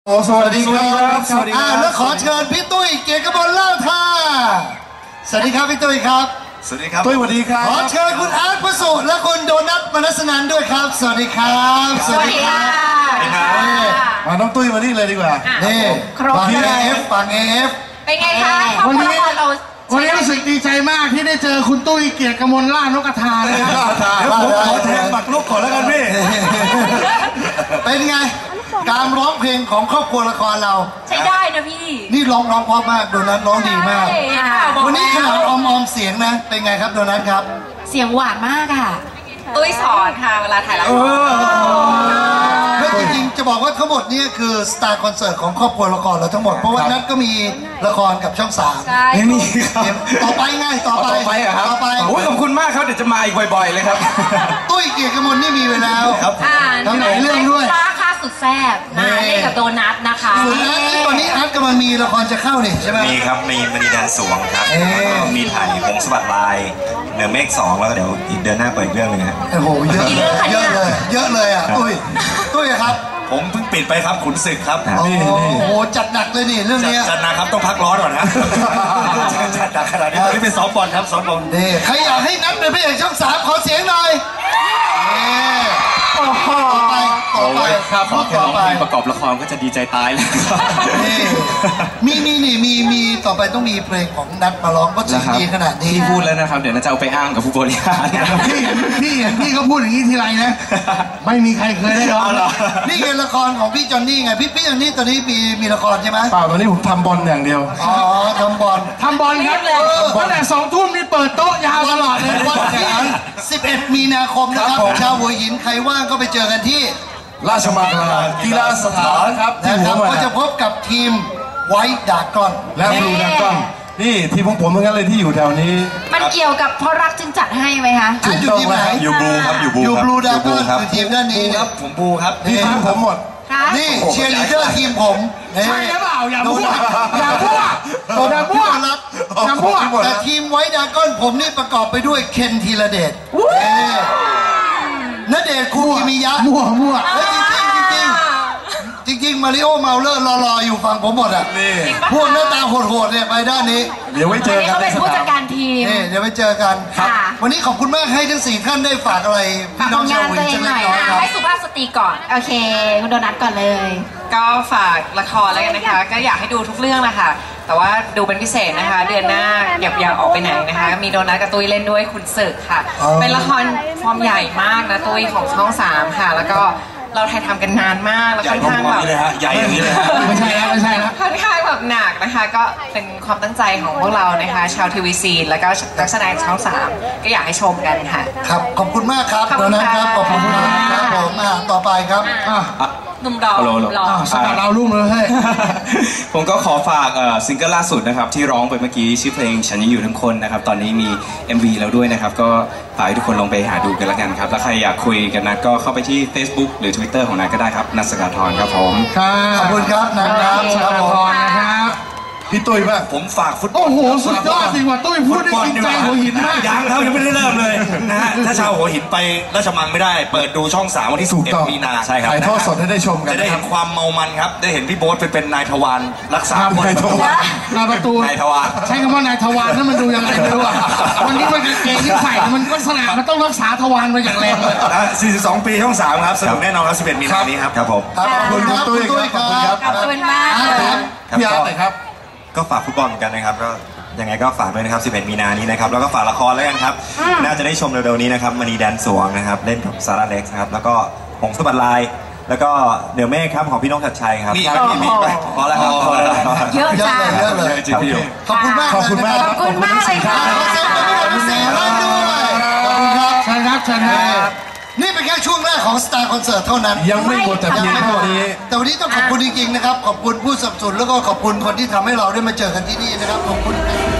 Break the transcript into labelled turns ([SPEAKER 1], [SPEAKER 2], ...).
[SPEAKER 1] โอ้สวัสดีครับ
[SPEAKER 2] สวัสดีครับแล้วขอเชิญพี่ตุ้ยเกียรติกมลเล่าท่าสวัสดีครับพี่ตุ้ยครับ
[SPEAKER 1] สวัสดีครับตุ้ยสวัสดีครับ
[SPEAKER 2] ขอเชิญคุณอาร์ตประสูติและคุณโดนัทมนัสนันด้วยครับสวัสดีครับ
[SPEAKER 3] สวัสดีค่ะ
[SPEAKER 1] มาน้องตุ้ยมานี่เลยดีกว่า
[SPEAKER 2] นี่ฝั่งเอฟฝั่งเอฟ
[SPEAKER 3] เป็นไงคะวันนี้
[SPEAKER 4] รู้สึกดีใจมากที่ได้เจอคุณตุ้ยเกียรติกมลล่านกกระทาเลยครับ
[SPEAKER 1] เดี๋ยวผมขอแทนหมักลูกก่อนแล้วกันพี่
[SPEAKER 2] เป็นไงการร้องเพลงของครอบครัวละครเรา
[SPEAKER 3] ใช้ได้นะพี่
[SPEAKER 2] นี่ร้องเพราะมากโดนัทร้องดีมากวันนี้ขนาดออมเสียงนะเป็นไงครับโดนัทครับ
[SPEAKER 3] เสียงหวานมากค่ะตุ้ยสอนค่ะเวลาถ่ายละคร
[SPEAKER 2] แล้วจริงๆจะบอกว่าทั้งหมดนี่คือสตาร์คอนเสิร์ตของครอบครัวละครเราทั้งหมดเพราะว่านัทก็มีละครกับช่อง3
[SPEAKER 1] ไม่มีครับ
[SPEAKER 2] ต่อไปง่ายต่อไป
[SPEAKER 1] ครับต่อไปโอ้ยขอบคุณมากครับเดี๋ยวจะมาอีกบ่อยๆเลยครับ
[SPEAKER 2] ตุ้ยเกียรติกมลนี่มีไว้แล้ว
[SPEAKER 3] ทั้งหลายเรื่องด้วยค่าสุดแซ่บเล่นกับโดนัทนะคะ
[SPEAKER 2] ส่วนนัทตอนนี้อาร์ตกำลังมีละครจะเข้านี่ใช่ไหม
[SPEAKER 5] มีครับมีมณีแดนสวงครับมีถ่ายหงส์สวัสดิ์ลายเหนือเมฆ2แล้วก็เดี๋ยวอีกเดือนหน้าเปิดอีกเรื่องนึงครับ
[SPEAKER 2] โอ้โหเยอะเลยอ่ะตุ้ยครับ
[SPEAKER 5] ผมเพิ่งปิดไปครับขุนศึกครับ
[SPEAKER 2] โอ้โหจัดหนักเลยนี่เรื่องนี้
[SPEAKER 5] จัดหนักครับต้องพักร้อนก่อนนะจัดหนักขนาดนี้ตอนนี้เป็นซ้อมบอลครับซ้อมบอล
[SPEAKER 2] นี่ใครอยากให้นัทเป็นพระเอกช่อง3ขอเสียงหน่อยต่อไป
[SPEAKER 5] ครับต่อไปประกอบละครก็จะดีใจตายเลย
[SPEAKER 2] มีต่อไปต้องมีเพลงของนัทมาร้องก็จะดีขนาดนี้
[SPEAKER 5] ที่พูดแล้วนะครับเดี๋ยวน่าจะเอาไปอ้างกับผู้บริหาร
[SPEAKER 4] พี่ก็พูดอย่างนี้ทีไรนะไม่มีใครเคยได้ร้อง
[SPEAKER 2] นี่คือละครของพี่จอนนี่ไงพี่จอนนี่ตอนนี้มีละครใช่ไหม
[SPEAKER 1] เปล่าตอนนี้ผมทำบอลอย่างเดียว
[SPEAKER 2] อ๋อทำบอล
[SPEAKER 4] ครับตั้งแต่2 ทุ่มนี่เปิดโต๊ะยาวตลอดเลย
[SPEAKER 2] วันที่11 มีนาคมนะครับชาวหัวหินใครว่างก็ไปเจอกันที่
[SPEAKER 1] ราชมังคลากีฬาสถานครับ
[SPEAKER 2] นะครับก็จะพบกับทีมไวท์ดากอน
[SPEAKER 1] และบลูดากอนนี่ทีมของผมเหมือนกันเลยที่อยู่แถวนี้
[SPEAKER 3] มันเกี่ยวกับเพราะรักจึงจัดให้ไหมคะ
[SPEAKER 2] อยู่ทีมไหน
[SPEAKER 5] อยู่บลูครับ
[SPEAKER 2] อยู่บลูดากอนคือทีมด้านนี้
[SPEAKER 5] ครับผมบลูครับ
[SPEAKER 1] ทีมผมหมด
[SPEAKER 2] นี่เชียร์ลีดเดอร์ทีมผม
[SPEAKER 4] ใช่หรือเปล่าอย่าพูด
[SPEAKER 2] แต่ทีมไวท์ดากอนผมนี่ประกอบไปด้วยเคนธีรเดชณเดชน์คูกิมิยะ
[SPEAKER 4] มั่ว
[SPEAKER 2] จริงมาริโอเมาเลอร์รออยู่ฝั่งผมหมดอ่ะพวกหน้าตาโหดๆเนี่ยไปด้านนี้
[SPEAKER 1] เดี๋ยวไว้เจอกัน
[SPEAKER 3] เขาเป็นผู้จัดการทีม
[SPEAKER 2] เดี๋ยวไปเจอกันวันนี้ขอบคุณมากให้ทั้ง4 ท่านได้ฝากอะไรพี่น้องชาววินเจอร์หน่อย
[SPEAKER 3] ให้สุภาพสตรีก่อนโอเคคุณโดนัทก่อนเลยก็ฝากละครแล้วกันนะคะก็อยากให้ดูทุกเรื่องนะคะแต่ว่าดูเป็นพิเศษนะคะเดือนหน้าอย่าออกไปไหนนะคะมีโดนัทกับตุ้ยเล่นด้วยคุณศึกค่ะเป็นละครฟอร์มใหญ่มากนะตุ้ยของช่อง3ค่ะแล้วก็เราถ่ายทำกันนานมากแล้วค่อนข้างแบบ
[SPEAKER 5] ใหญ่อย่างนี้เลยฮะ
[SPEAKER 4] ไม่ใช่แล้ว
[SPEAKER 3] ค่อนข้างแบบหนักนะคะก็เป็นความตั้งใจของพวกเรานะคะชาวทีวีซีแล้วก็นักแสดงช่อง3ก็อยากให้ชมกันค่ะ
[SPEAKER 2] ครับขอบคุณมากครับโดนัทครับขอบคุณครับผมต่อไปครับ
[SPEAKER 3] หนุ่มดอก
[SPEAKER 4] สกัดดาวรุ่งเลยให้
[SPEAKER 5] ผมก็ขอฝากซิงเกิลล่าสุดนะครับที่ร้องไปเมื่อกี้ชื่อเพลงฉันยังอยู่ทั้งคนนะครับตอนนี้มี MV แล้วด้วยนะครับก็ฝากให้ทุกคนลองไปหาดูกันละกันครับแล้วใครอยากคุยกันนะก็เข้าไปที่ Facebook หรือ Twitter ของนัทก็ได้ครับนัท สกาธรครับผม
[SPEAKER 2] ขอบคุณครับนัทครับ
[SPEAKER 4] สกาธรนะครับ
[SPEAKER 1] พี่ตุ้ยบ้าง
[SPEAKER 5] ผมฝากฟุตบอล
[SPEAKER 4] โอ้โหสุดยอดจริงว่ะตุ้ยพูดได้จริงใจหัวหินมาก
[SPEAKER 5] ยังครับยังไม่ได้เริ่มเลยนะฮะถ้าชาวหัวหินไปราชมังไม่ได้เปิดดูช่อง3วันที่11 มีนา
[SPEAKER 1] ใช่ครับถ่ายทอดสดให้ได้ชมกัน
[SPEAKER 5] จะได้เห็นความเมามันครับได้เห็นพี่โบ๊ทเป็นนายทวารรักษาคน
[SPEAKER 4] นายประตู
[SPEAKER 5] นายทวาร
[SPEAKER 4] ใช้คำว่านายทวารนั่นมันดูยังไงไม่รู้อ่ะวันนี้มันเก่งที่ใส่มันก็สนามมันต้องรักษาทวารมาอย่างแรงเลย
[SPEAKER 5] 42 ปีช่อง3ครับสนุกแน่นอนครับ11 มีนานี้ครับผม
[SPEAKER 2] ขอบคุณครับตุ้ยครับ
[SPEAKER 3] ขอบคุณมาก
[SPEAKER 1] พี่อาร์ตเลยครับ
[SPEAKER 5] ก็ฝากฟุตบอลกันนะครับก็ยังไงก็ฝากด้วยนะครับ11 มีนานี้นะครับแล้วก็ฝากละครแล้วกันครับน่าจะได้ชมเร็วๆนี้นะครับมณีแดนสวงนะครับเล่นกับซาร่าเล็กซ์นะครับแล้วก็หงส์สวัสดิ์ลายแล้วก็เดี๋ยวเมฆครับของพี่น้องชัดชัยครับ
[SPEAKER 3] มี
[SPEAKER 5] พอแล้วครับ
[SPEAKER 3] เยอะจัง
[SPEAKER 5] จริง
[SPEAKER 2] ๆขอบคุณมาก
[SPEAKER 3] ขอบคุณมากเลยค่ะ
[SPEAKER 2] ขอบคุณครับ
[SPEAKER 4] เชิญครับ
[SPEAKER 2] นี่เป็นแค่ช่วงแรกของสตาร์คอนเสิร์ตเท่านั้น
[SPEAKER 1] ยังไม่หมดแต่เพียงเท่านี้
[SPEAKER 2] แต่วันนี้ต้องขอบคุณจริงๆนะครับขอบคุณผู้สนับสนุนแล้วก็ขอบคุณคนที่ทำให้เราได้มาเจอกันที่นี่นะครับขอบคุณ